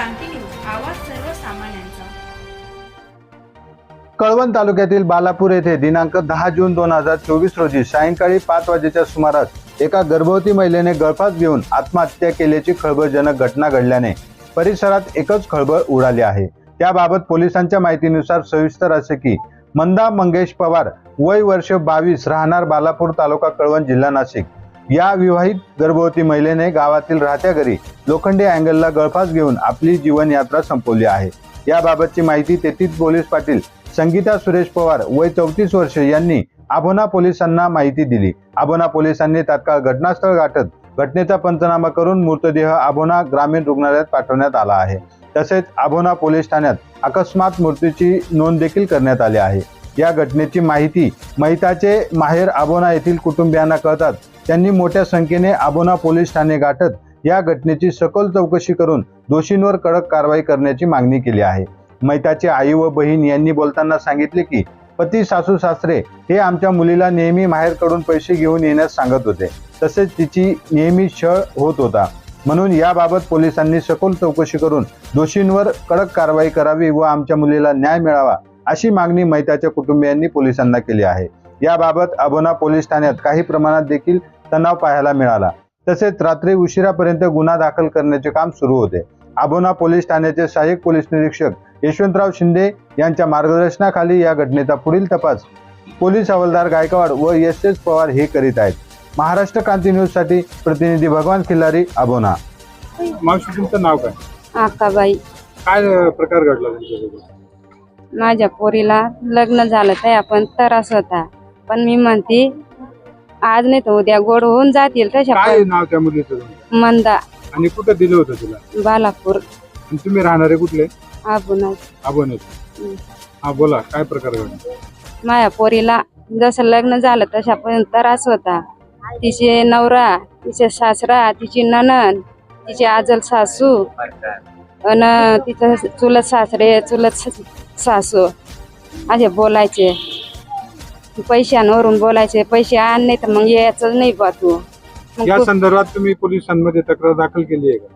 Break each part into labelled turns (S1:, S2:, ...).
S1: क्रांती news, आवाज सर्वसामान्यांचा।
S2: कळवण तालुक्यातील बालापूर येथे दिनांक 10 जून 2024 रोजी सायंकाळी 5 वाजेच्या सुमारास एका गर्भवती महिलेने गळफास घेऊन आत्महत्या केल्याची खळबळजनक घटना घडल्याने परिसरात एकच खळबळ उडाली आहे। त्याबाबत पोलिसांच्या माहितीनुसार सविस्तर असे की मंदा मंगेश पवार, वय वर्ष 22, राहणार बालापूर, तालुका कळवण, जिल्हा नाशिक, या विवाहित गर्भवती महिलेने गावातील राहत्या घरी लोखंडी अँगलला गळफास घेऊन आपली जीवन यात्रा संपवली आहे। याबाबतची माहिती तेथील पोलीस पाटील संगीता सुरेश पवार, वय 34 वर्ष, यांनी आभोना पोलिसांना माहिती दिली। आभोना पोलिसांनी तात्काळ घटनास्थळ गाठत घटनेचा पंचनामा करून मृतदेह आभोना ग्रामीण रुग्णालयात पाठवण्यात आला आहे। तसेच आभोना पोलीस ठाण्यात अकस्मात मृत्यूची नोंद देखील करण्यात आली आहे। या घटनेची माहिती महिताचे माहेर आभोना येथील कुटुंबियांना कळतात त्यांनी मोठ्या संख्येने आभोना पोलीस ठाणे गाठत या घटनेची सखोल चौकशी करून दोषींवर कडक कारवाई करण्याची मागणी केली आहे। महिताचे आई व बहीण यांनी बोलताना सांगितले की पती सासू सासरे हे आमच्या मुलीला नेहमी माहेरकडून पैसे घेऊन येण्यास सांगत होते, तसेच तिची नेहमी छळ होत होता, म्हणून याबाबत पोलिसांनी सखोल चौकशी करून दोषींवर कडक कारवाई करावी व आमच्या मुलीला न्याय मिळावा अशी मागणी महिताच्या कुटुंबियांनी पोलिसांना केली आहे। याबाबत आभोना पोलीस ठाण्यात काही प्रमाणात देखील तणाव पाहायला मिळाला, तसेच रात्री उशिरापर्यंत गुन्हा दाखल करण्याचे काम सुरू होते। आभोना पोलीस ठाण्याचे सहाय्यक पोलीस निरीक्षक यशवंतराव शिंदे यांच्या मार्गदर्शनाखाली या घटनेचा पुढील तपास पोलीस हवालदार गायकवाड व एस पवार हे करीत आहेत। महाराष्ट्र क्रांती न्यूज साठी प्रतिनिधी भगवान खिल्लारी, आभोना।
S3: मावशी, तुमचं नाव काय?
S4: आकाबाई।
S3: काय प्रकार घडला तुमच्यासोबत?
S4: माझ्या पोरीला लग्न झालं तर आपण त्रास होता, पण मी म्हणते आज नाही तर उद्या गोड होऊन जातील तशा।
S3: काय नाव त्या मुलीचं तुमचं?
S4: मंदा।
S3: आणि कुठं दिलं होतं तिला?
S4: बालापूर।
S3: आणि तुम्ही राहणारे कुठले?
S4: आबुना।
S3: आभोण्यात। हा, बोला, काय प्रकार घडला?
S4: माझ्या पोरीला जसं लग्न झालं तशा पण त्रास होता। तिचे नवरा, तिचे सासरा, तिची नणंद, तिची आजल सासू आणि तिचं चुलत सासरे, चुलत सासू असे बोलायचे, पैशांवरून बोलायचे, पैसे आण नाही तर मग यायचं नाही बा तू।
S3: या संदर्भात तुम्ही पोलिसांमध्ये तक्रार दाखल केली आहे का?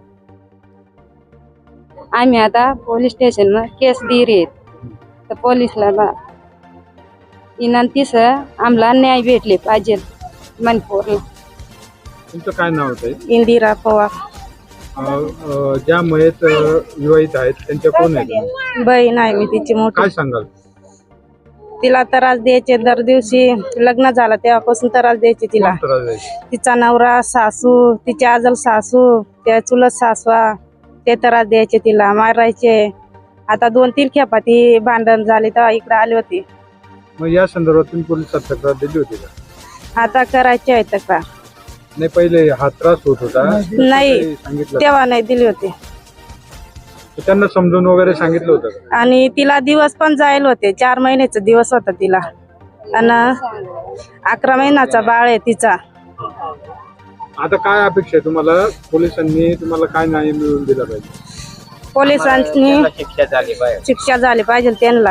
S4: आम्ही आता पोलीस स्टेशन मध्ये केस दिली तर पोलीसला विनंती आम्हाला न्याय भेटले पाहिजे मनपोरला।
S3: तुमचं काय नाव होतं?
S4: इंदिरा पवार।
S3: ज्या मयत विवाहित आहेत त्यांच्या कोण आहेत?
S4: बहीण आहे मी तिची मोठी।
S3: काय सांगाल?
S4: तिला त्रास द्यायचे, दर दिवशी लग्न झालं तेव्हापासून त्रास द्यायचे तिला।
S3: कोण त्रास द्यायचे?
S4: तिचा नवरा, सासू, तिची आजल सासू, त्या चुलत सासवा, ते त्रास द्यायचे, तिला मारायचे। आता 2-3 खेपा ती भांडण झाली तेव्हा इकडे आली होती।
S3: मग या संदर्भात तुम्ही पोलिसात तक्रार दिली होती का?
S4: आता करायची आहे तक्रार।
S3: नाही, पहिले हा त्रास होत होता?
S4: नाही,
S3: सांगितलं
S4: तेव्हा नाही दिली होती।
S3: त्यांना समजून वगैरे सांगितलं होतं का?
S4: आणि तिला दिवस पण जायला होते, 4 महिन्याचा दिवस होता तिला, आणि 11 महिन्याचा बाळ आहे तिचा।
S3: आता काय अपेक्षा आहे तुम्हाला? पोलिसांनी तुम्हाला काय न्याय मिळवून दिला पाहिजे?
S4: पोलिसांनी शिक्षा झाली पाहिजे त्यांना।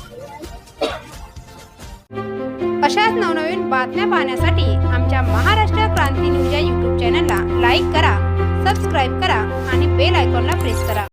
S1: अशाच नवनवीन बातम्या पाहण्यासाठी आमच्या महाराष्ट्र क्रांती न्यूज या YouTube चॅनलला लाईक करा, सबस्क्राईब करा आणि बेल आयकॉनला प्रेस करा।